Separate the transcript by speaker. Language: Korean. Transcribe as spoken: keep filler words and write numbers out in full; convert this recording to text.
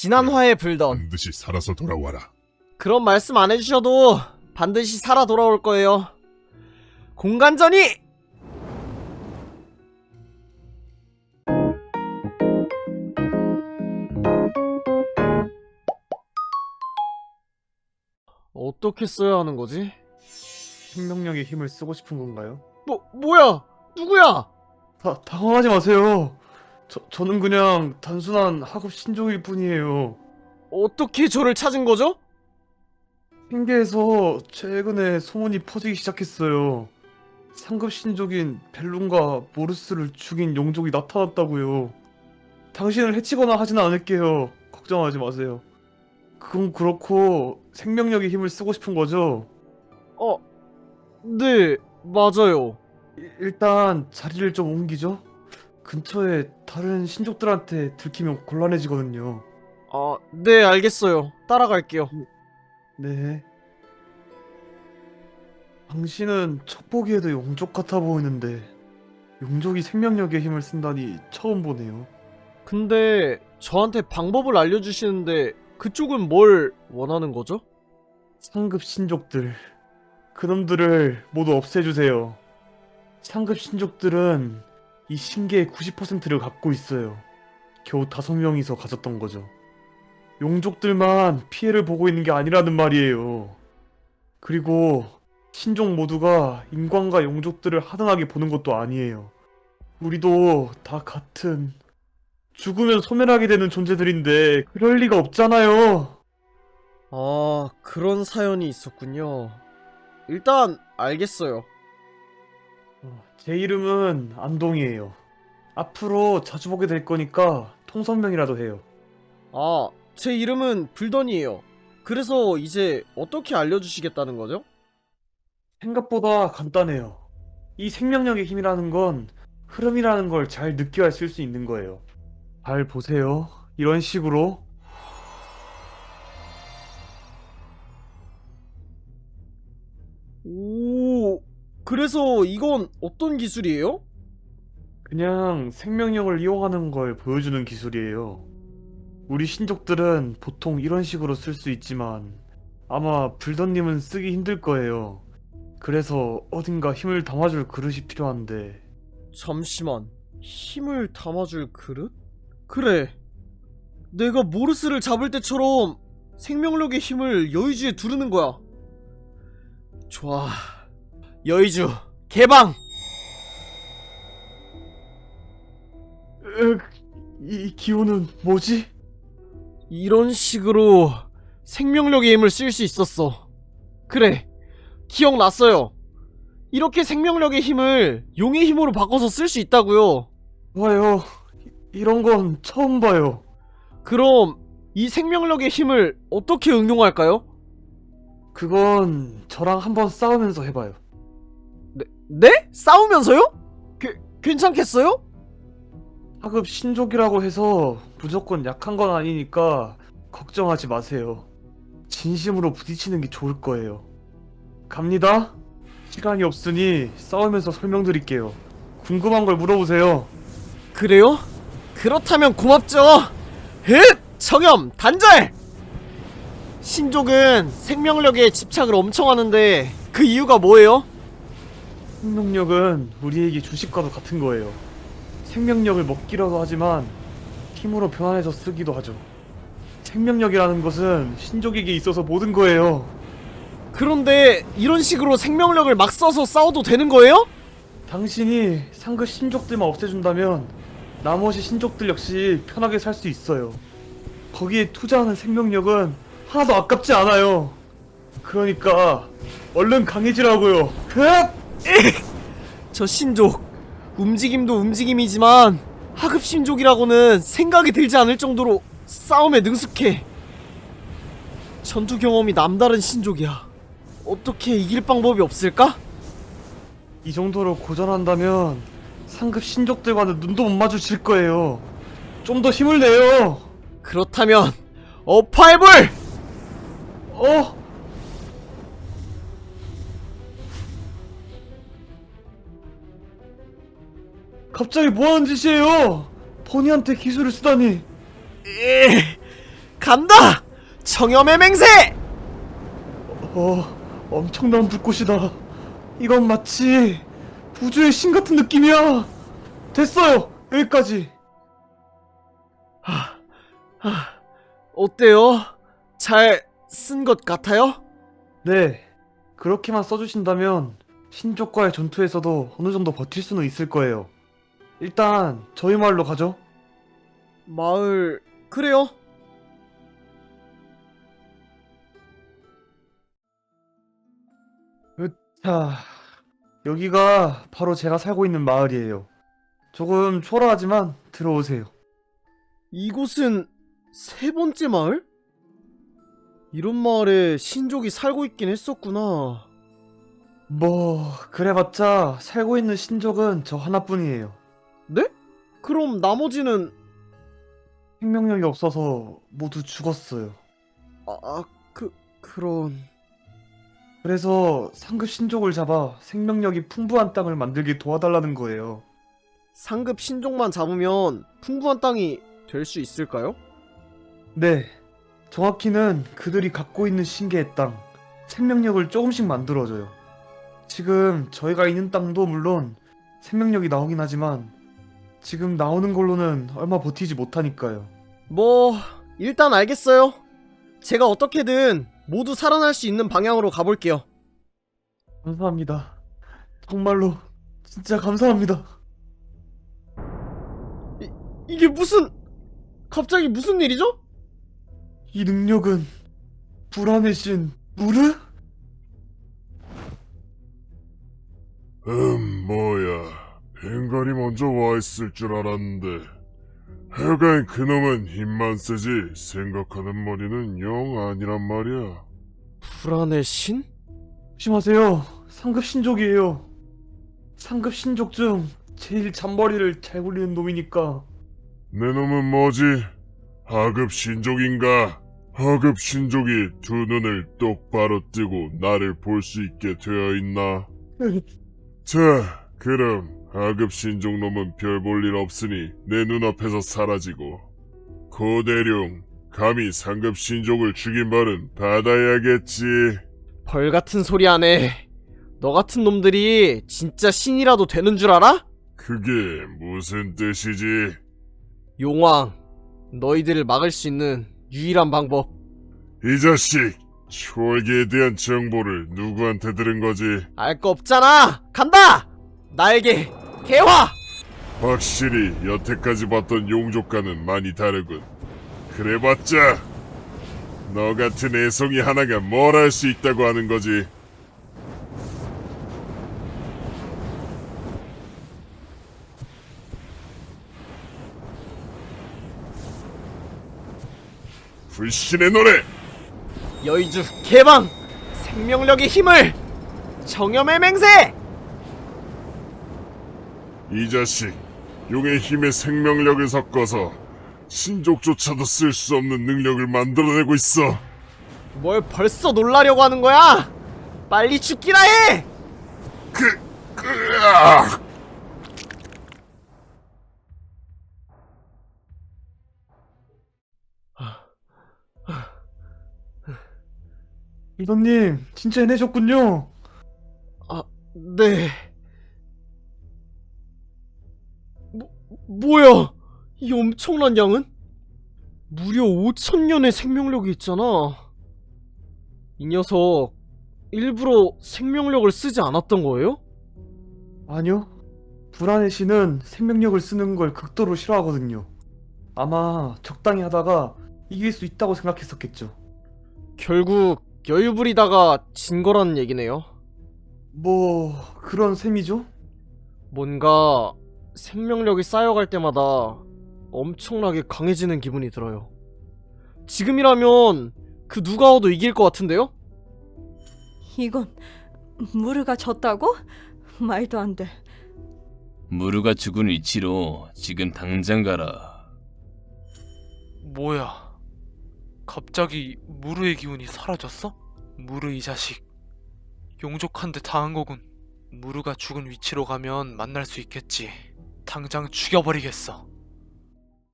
Speaker 1: 지난 화에 불던
Speaker 2: 반드시 살아서 돌아와라.
Speaker 1: 그런 말씀 안 해주셔도 반드시 살아 돌아올 거예요. 공간전이! 어떻게 써야 하는 거지?
Speaker 3: 생명력의 힘을 쓰고 싶은 건가요?
Speaker 1: 뭐, 뭐야? 누구야?
Speaker 3: 다, 당황하지 마세요. 저, 저는 그냥 단순한 학업 신종일 뿐이에요.
Speaker 1: 어떻게 저를 찾은 거죠?
Speaker 3: 핑계에서 최근에 소문이 퍼지기 시작했어요. 상급 신족인 벨룬과 모르스를 죽인 용족이 나타났다고요. 당신을 해치거나 하진 않을게요. 걱정하지 마세요. 그건 그렇고 생명력의 힘을 쓰고 싶은 거죠?
Speaker 1: 어, 네, 맞아요.
Speaker 3: 이- 일단 자리를 좀 옮기죠. 근처에 다른 신족들한테 들키면 곤란해지거든요.
Speaker 1: 아, 네, 알겠어요. 따라갈게요.
Speaker 3: 네. 당신은 첫 보기에도 용족 같아 보이는데 용족이 생명력의 힘을 쓴다니 처음 보네요.
Speaker 1: 근데 저한테 방법을 알려주시는데 그쪽은 뭘 원하는 거죠?
Speaker 3: 상급 신족들. 그놈들을 모두 없애주세요. 상급 신족들은 이 신계의 구십 퍼센트를 갖고 있어요. 겨우 다섯 명이서 가졌던 거죠. 용족들만 피해를 보고 있는 게 아니라는 말이에요. 그리고 신족 모두가 인간과 용족들을 하등하게 보는 것도 아니에요. 우리도 다 같은 죽으면 소멸하게 되는 존재들인데 그럴 리가 없잖아요.
Speaker 1: 아, 그런 사연이 있었군요. 일단 알겠어요.
Speaker 3: 어, 제 이름은 안동이에요. 앞으로 자주 보게 될 거니까 통성명이라도 해요.
Speaker 1: 아, 제 이름은 불던이에요. 그래서 이제 어떻게 알려주시겠다는 거죠?
Speaker 3: 생각보다 간단해요. 이 생명력의 힘이라는 건 흐름이라는 걸 잘 느껴야 쓸 수 있는 거예요. 잘 보세요. 이런 식으로.
Speaker 1: 오, 그래서 이건 어떤 기술이에요?
Speaker 3: 그냥 생명력을 이용하는 걸 보여주는 기술이에요. 우리 신족들은 보통 이런 식으로 쓸 수 있지만 아마 불던님은 쓰기 힘들 거예요. 그래서 어딘가 힘을 담아줄 그릇이 필요한데
Speaker 1: 잠시만, 힘을 담아줄 그릇? 그래, 내가 모르스를 잡을 때처럼 생명력의 힘을 여의주에 두르는 거야. 좋아, 여의주 개방!
Speaker 3: 으, 이 기운은 뭐지?
Speaker 1: 이런 식으로 생명력의 힘을 쓸 수 있었어. 그래, 기억났어요. 이렇게 생명력의 힘을 용의 힘으로 바꿔서 쓸 수 있다고요.
Speaker 3: 봐요. 이- 이런 건 처음 봐요.
Speaker 1: 그럼 이 생명력의 힘을 어떻게 응용할까요?
Speaker 3: 그건 저랑 한번 싸우면서 해봐요.
Speaker 1: 네? 네? 싸우면서요? 게, 괜찮겠어요?
Speaker 3: 하급 신족이라고 해서 무조건 약한 건 아니니까 걱정하지 마세요. 진심으로 부딪히는 게 좋을 거예요. 갑니다. 시간이 없으니 싸우면서 설명드릴게요. 궁금한 걸 물어보세요.
Speaker 1: 그래요? 그렇다면 고맙죠. 흣! 청염! 단절! 신족은 생명력에 집착을 엄청 하는데 그 이유가 뭐예요?
Speaker 3: 생명력은 우리에게 주식과도 같은 거예요. 생명력을 먹기라도 하지만 힘으로 변환해서 쓰기도 하죠. 생명력이라는 것은 신족에게 있어서 모든 거예요.
Speaker 1: 그런데 이런 식으로 생명력을 막 써서 싸워도 되는 거예요?
Speaker 3: 당신이 상급 신족들만 없애준다면 나머지 신족들 역시 편하게 살 수 있어요. 거기에 투자하는 생명력은 하나도 아깝지 않아요. 그러니까 얼른 강해지라고요. 흐악!
Speaker 1: 저 신족 움직임도 움직임이지만 하급 신족이라고는 생각이 들지 않을 정도로 싸움에 능숙해. 전투 경험이 남다른 신족이야. 어떻게 이길 방법이 없을까?
Speaker 3: 이 정도로 고전한다면 상급 신족들과는 눈도 못 마주칠 거예요. 좀 더 힘을 내요.
Speaker 1: 그렇다면 어파이블!
Speaker 3: 어? 갑자기 뭐하는 짓이에요? 버니한테 기술을 쓰다니.
Speaker 1: 에, 간다! 청염의 맹세!
Speaker 3: 어, 엄청난 불꽃이다. 이건 마치 우주의 신 같은 느낌이야. 됐어요. 여기까지.
Speaker 1: 하, 어때요? 잘 쓴 것 같아요?
Speaker 3: 네, 그렇게만 써주신다면 신족과의 전투에서도 어느 정도 버틸 수는 있을 거예요. 일단 저희 마을로 가죠.
Speaker 1: 마을... 그래요?
Speaker 3: 자, 여기가 바로 제가 살고 있는 마을이에요. 조금 초라하지만 들어오세요.
Speaker 1: 이곳은 세 번째 마을? 이런 마을에 신족이 살고 있긴 했었구나.
Speaker 3: 뭐 그래봤자 살고 있는 신족은 저 하나뿐이에요.
Speaker 1: 네? 그럼 나머지는...
Speaker 3: 생명력이 없어서 모두 죽었어요.
Speaker 1: 아, 아 그... 그런...
Speaker 3: 그래서 상급 신족을 잡아 생명력이 풍부한 땅을 만들게 도와달라는 거예요.
Speaker 1: 상급 신족만 잡으면 풍부한 땅이 될 수 있을까요?
Speaker 3: 네, 정확히는 그들이 갖고 있는 신계의 땅, 생명력을 조금씩 만들어줘요. 지금 저희가 있는 땅도 물론 생명력이 나오긴 하지만 지금 나오는 걸로는 얼마 버티지 못하니까요.
Speaker 1: 뭐... 일단 알겠어요. 제가 어떻게든 모두 살아날 수 있는 방향으로 가볼게요.
Speaker 3: 감사합니다. 정말로 진짜 감사합니다.
Speaker 1: 이, 이게 무슨... 갑자기 무슨 일이죠?
Speaker 3: 이 능력은 불안의 신 무르?
Speaker 2: 음, 뭐야. 벵갈이 먼저 와 있을 줄 알았는데. 하여간 그놈은 힘만 세지 생각하는 머리는 영 아니란 말이야.
Speaker 1: 불안의 신?
Speaker 3: 조심하세요. 상급 신족이에요. 상급 신족 중 제일 잔머리를 잘 굴리는 놈이니까.
Speaker 2: 내 놈은 뭐지? 하급 신족인가? 하급 신족이 두 눈을 똑바로 뜨고 나를 볼 수 있게 되어 있나? 자, 그럼 하급 신족 놈은 별 볼 일 없으니 내 눈앞에서 사라지고, 고대룡, 감히 상급 신족을 죽인 벌은 받아야겠지.
Speaker 1: 벌 같은 소리 안 해. 너 같은 놈들이 진짜 신이라도 되는 줄 알아?
Speaker 2: 그게 무슨 뜻이지?
Speaker 1: 용왕, 너희들을 막을 수 있는 유일한 방법.
Speaker 2: 이 자식, 초월기에 대한 정보를 누구한테 들은 거지?
Speaker 1: 알 거 없잖아. 간다. 나에게 개화.
Speaker 2: 확실히 여태까지 봤던 용족과는 많이 다르군. 그래봤자 너 같은 애송이 하나가 뭘 할 수 있다고 하는 거지? 불신의 노래!
Speaker 1: 여의주 개방. 생명력의 힘을. 정염의 맹세.
Speaker 2: 이 자식, 용의 힘에 생명력을 섞어서 신족조차도 쓸 수 없는 능력을 만들어내고 있어.
Speaker 1: 뭘 벌써 놀라려고 하는 거야? 빨리 죽기나 해.
Speaker 2: 그, 으악!
Speaker 3: 리더님, 진짜 해내셨군요.
Speaker 1: 아, 네. 뭐, 뭐야? 이 엄청난 양은? 무려 오천 년의 생명력이 있잖아. 이 녀석 일부러 생명력을 쓰지 않았던 거예요?
Speaker 3: 아니요. 불안의 신은 생명력을 쓰는 걸 극도로 싫어하거든요. 아마 적당히 하다가 이길 수 있다고 생각했었겠죠.
Speaker 1: 결국 여유 부리다가 진 거라는 얘기네요.
Speaker 3: 뭐 그런 셈이죠?
Speaker 1: 뭔가 생명력이 쌓여갈 때마다 엄청나게 강해지는 기분이 들어요. 지금이라면 그 누가 와도 이길 것 같은데요?
Speaker 4: 이건 무르가 졌다고? 말도 안 돼.
Speaker 5: 무르가 죽은 위치로 지금 당장 가라.
Speaker 6: 뭐야? 갑자기 무르의 기운이 사라졌어? 무르 이 자식 용족한테 당한 거군. 무르가 죽은 위치로 가면 만날 수 있겠지. 당장 죽여버리겠어.